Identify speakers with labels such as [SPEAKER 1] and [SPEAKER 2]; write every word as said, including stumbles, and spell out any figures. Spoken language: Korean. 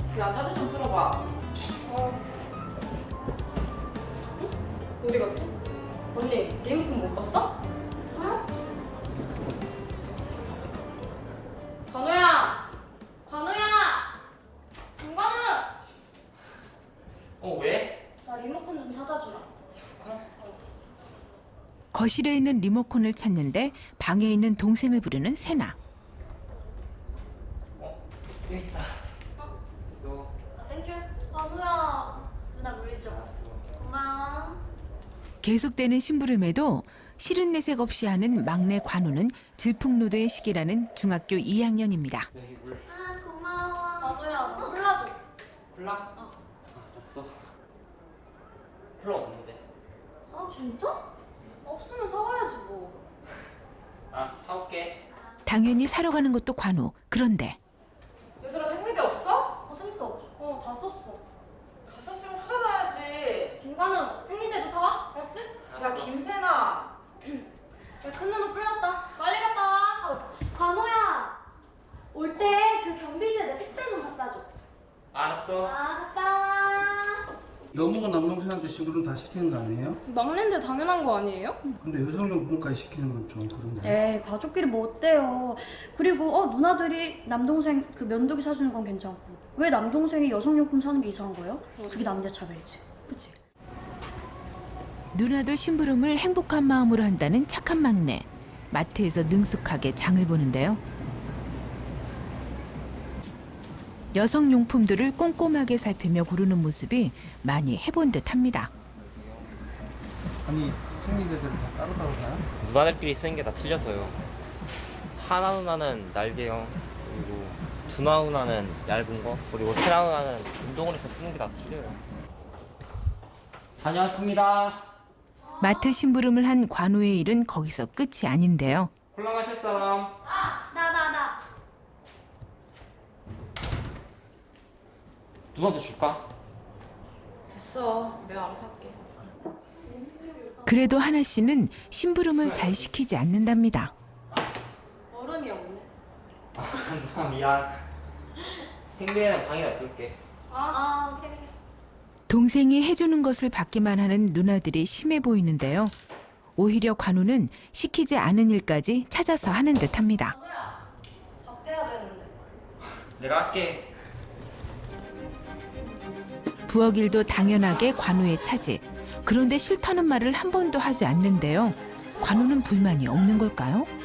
[SPEAKER 1] 야, 카드 좀 틀어봐.
[SPEAKER 2] 어. 응? 어디 갔지? 언니, 리모컨 못 봤어? 어? 관우야! 관우야! 김관우!
[SPEAKER 3] 어, 왜?
[SPEAKER 2] 나 리모컨 좀 찾아주라.
[SPEAKER 4] 거실에 있는 리모컨을 찾는데 방에 있는 동생을 부르는 세나.
[SPEAKER 3] 어, 여기 있다.
[SPEAKER 2] 어?
[SPEAKER 3] 있어.
[SPEAKER 2] 아, 땡큐. 관우야. 누나 물리죠? 고마워.
[SPEAKER 4] 계속되는 심부름에도 싫은 내색 없이 하는 막내 관우는 질풍노도의 시기라는 중학교 이 학년입니다.
[SPEAKER 3] 여기 물.
[SPEAKER 2] 아, 고마워. 관우야, 나 콜라 줘.
[SPEAKER 3] 콜라?
[SPEAKER 2] 어.
[SPEAKER 3] 알았어. 콜라 없는데.
[SPEAKER 2] 아, 진짜? 없으면 사와야지 뭐.
[SPEAKER 3] 알았어, 사올게.
[SPEAKER 4] 당연히 사러 가는 것도 관우. 그런데
[SPEAKER 1] 얘들아, 생리대 없어?
[SPEAKER 2] 어, 생리대 없어. 어, 다 썼어.
[SPEAKER 1] 다 썼으면 사놔야지.
[SPEAKER 2] 김관우, 생리대도 사와? 알았지?
[SPEAKER 1] 야, 김세나.
[SPEAKER 2] 야, 큰 누나 풀렸다. 빨리 갔다 와. 어, 관호야. 올 때 그 경비실에 내 택배 좀 갖다 줘.
[SPEAKER 3] 알았어.
[SPEAKER 2] 아, 갔다 와.
[SPEAKER 5] 너무가 남동생한테 심부름 다 시키는 거 아니에요?
[SPEAKER 2] 막내인데 당연한 거 아니에요?
[SPEAKER 5] 근데 여성용품까지 시키는 건 좀 그런데.
[SPEAKER 6] 에이 가족끼리 뭐 어때요. 그리고 어 누나들이 남동생 그 면도기 사주는 건 괜찮고 왜 남동생이 여성용품 사는 게 이상한 거예요? 그게 남녀차별이지. 그치?
[SPEAKER 4] 누나도 심부름을 행복한 마음으로 한다는 착한 막내. 마트에서 능숙하게 장을 보는데요. 여성용품들을 꼼꼼하게 살피며 고르는 모습이 많이 해본 듯합니다.
[SPEAKER 5] 아니 생리대들을 다 따로따로 사요?
[SPEAKER 3] 누나들끼리 쓰는 게 다 틀려서요. 하나 누나는 날개형, 그리고 두나 누나는 얇은 거, 그리고 세나 누나는 운동원에서 쓰는 게 다 틀려요. 다녀왔습니다.
[SPEAKER 4] 마트 심부름을 한 관우의 일은 거기서 끝이 아닌데요.
[SPEAKER 3] 콜라 마실 사람?
[SPEAKER 2] 아, 나, 나, 나.
[SPEAKER 3] 누나도 줄까?
[SPEAKER 1] 됐어. 내가 알아서 할게.
[SPEAKER 4] 그래도 하나 씨는 심부름을 잘 시키지 않는답니다.
[SPEAKER 2] 얼음이 없네.
[SPEAKER 3] 아, 누나 미안. 생리대는 방에 놔둘게.
[SPEAKER 2] 아, 아, 오케이, 오케이.
[SPEAKER 4] 동생이 해주는 것을 받기만 하는 누나들이 심해 보이는데요. 오히려 관우는 시키지 않은 일까지 찾아서 하는 듯합니다.
[SPEAKER 2] 관우야, 밥 해야 되는데.
[SPEAKER 3] 내가 할게.
[SPEAKER 4] 부엌 일도 당연하게 관우의 차지. 그런데 싫다는 말을 한 번도 하지 않는데요. 관우는 불만이 없는 걸까요?